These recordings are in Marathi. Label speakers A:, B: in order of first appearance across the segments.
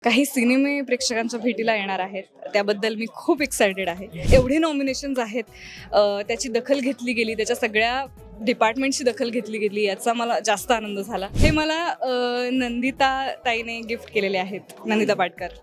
A: काही सिनेमे प्रेक्षकांच्या भेटीला येणार आहेत, त्याबद्दल मी खूप एक्सायटेड आहे. एवढे नॉमिनेशन्स आहेत, त्याची दखल घेतली गेली, त्याच्या सगळ्या डिपार्टमेंटची दखल घेतली गेली, याचा मला जास्त आनंद झाला. हे मला नंदिता ताईने गिफ्ट केलेले आहेत, नंदिता पाटकर.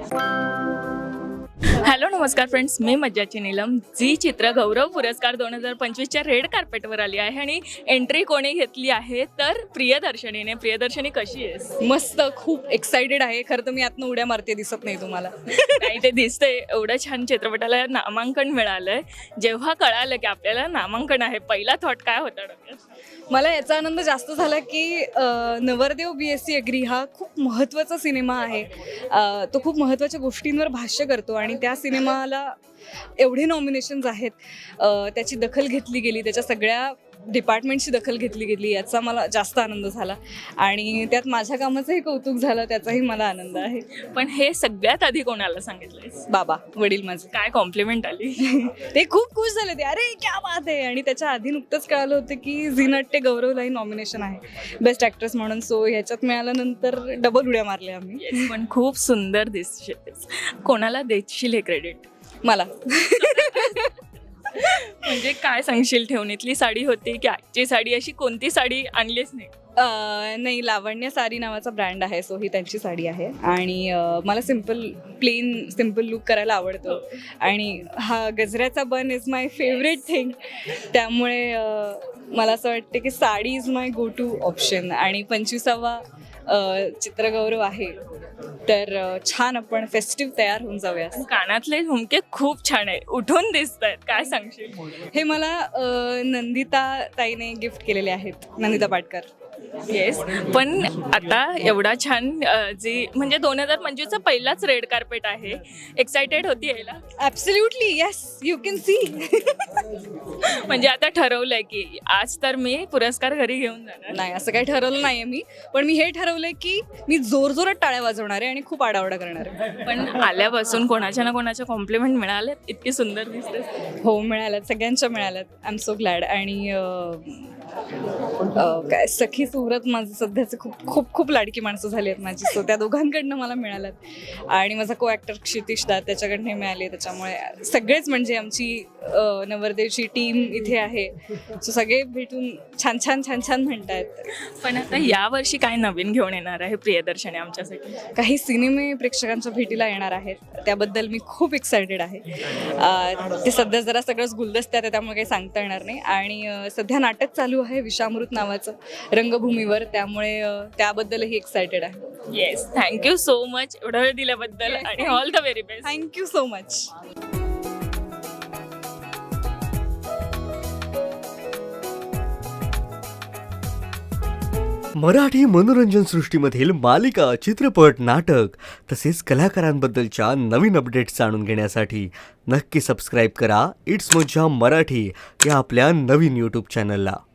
B: हॅलो नमस्कार फ्रेंड्स, मी मज्जाची नीलम. झी चित्र गौरव पुरस्कार 2025च्या रेड कार्पेटवर आली आहे आणि एंट्री कोणी घेतली आहे तर प्रियदर्शनीने. प्रियदर्शनी कशी आहेस?
A: मस्त, खूप एक्सायटेड आहे. खरं तर मी आतनं उड्या मारते, दिसत नाही तुम्हाला.
B: नाही, ते दिसतंय. एवढं छान चित्रपटाला नामांकन मिळालंय. जेव्हा कळालं की आपल्याला नामांकन आहे, पहिला थॉट काय होता डोक्यात?
A: मला याचा आनंद जास्त झाला की नवरदेव BSc अग्री हा खूप महत्त्वाचा सिनेमा आहे. तो खूप महत्त्वाच्या गोष्टींवर भाष्य करतो आणि त्या सिनेमाला एवढे नॉमिनेशन्स आहेत, त्याची दखल घेतली गेली, त्याच्या सगळ्या डिपार्टमेंटची दखल घेतली गेली, याचा मला जास्त आनंद झाला आणि त्यात माझ्या कामाचंही कौतुक झालं, त्याचाही मला आनंद आहे.
B: पण हे सगळ्यात आधी कोणाला सांगितलंयस?
A: बाबा, वडील माझे.
B: काय कॉम्प्लिमेंट आली?
A: ते खूप खुश झाले, ते अरे क्या बात आहे. आणि त्याच्या आधी नुकतंच कळालं होतं की झी नाट्य गौरवलाही नॉमिनेशन आहे बेस्ट ॲक्ट्रेस म्हणून. सो ह्याच्यात मिळाल्यानंतर डबल उड्या मारल्या आम्ही.
B: Yes, पण खूप सुंदर दिसतेस. कोणाला देशील हे क्रेडिट?
A: मला
B: म्हणजे काय सांगशील? ठेवणीतली साडी होती की आजची साडी? अशी कोणती साडी आणलीच नाही?
A: नाही, लावण्य साडी नावाचा ब्रँड आहे, सो ही त्यांची साडी आहे. आणि मला सिम्पल लुक करायला आवडतो आणि हा गजऱ्याचा bun is my favourite thing. त्यामुळे मला असं वाटतं की sari is my go to option. आणि 25वा चित्रगौरव आहे, तर छान आपण फेस्टिव्ह तयार होऊन जाऊया.
B: कानातले झुमके खूप छान आहे, उठून दिसत आहेत. काय सांगशील?
A: हे मला नंदिता ताईने गिफ्ट केलेले आहेत, नंदिता पाटकर.
B: येस, पण आता एवढा छान जी म्हणजे 2025चा पहिलाच रेड कार्पेट आहे. एक्सायटेड होती यायला?
A: Absolutely, yes, you can see.
B: म्हणजे आता ठरवलंय की आज तर मी पुरस्कार घरी घेऊन जाणार?
A: नाही, असं काही ठरवलं नाही आहे मी, पण मी हे ठरवलंय की मी जोरजोरात टाळ्या वाजवणार आहे आणि खूप आडावडा करणार आहे.
B: पण आल्यापासून कोणाच्या ना कोणाच्या कॉम्प्लिमेंट मिळाले? इतकी सुंदर दिसते.
A: हो, मिळाल्यात, सगळ्यांच्या मिळाल्यात. I am so glad. आणि काय सखी सुरत माझं सध्याचे खूप लाडकी माणसं झाली आहेत माझी, सो त्या दोघांकडनं मला मिळाल्यात. आणि माझा को ॲक्टर क्षितिश दा, त्याच्याकडनं मिळाले. त्याच्यामुळे सगळेच म्हणजे आमची नवरदेवची टीम इथे आहे, सो सगळे भेटून छान म्हणत आहेत.
B: पण आता यावर्षी काय नवीन घेऊन येणार आहे प्रियदर्शनी आमच्यासाठी?
A: काही सिनेमे प्रेक्षकांच्या भेटीला येणार आहेत, त्याबद्दल मी खूप एक्सायटेड आहे. ते सध्या जरा सगळंच गुलदस्त्यात आहे, त्यामुळे काही सांगता येणार नाही. आणि सध्या नाटक चालू आहे विषामृत नावाचं रंगभूमीवर, त्यामुळे त्याबद्दलही एक्सायटेड आहे.
B: येस, थँक्यू सो मच एवढा वेळ दिल्याबद्दल आणि all the very best.
A: Thank you so much.
C: Marathi मनोरंजन सृष्टीमधील मालिका, चित्रपट, नाटक तसेच कलाकारांबद्दलच्या नवीन अपडेट्स जाणून घेण्यासाठी नक्की सबस्क्राईब करा इट्स मज्जा मराठी या आपल्या नवीन यूट्यूब चॅनलला.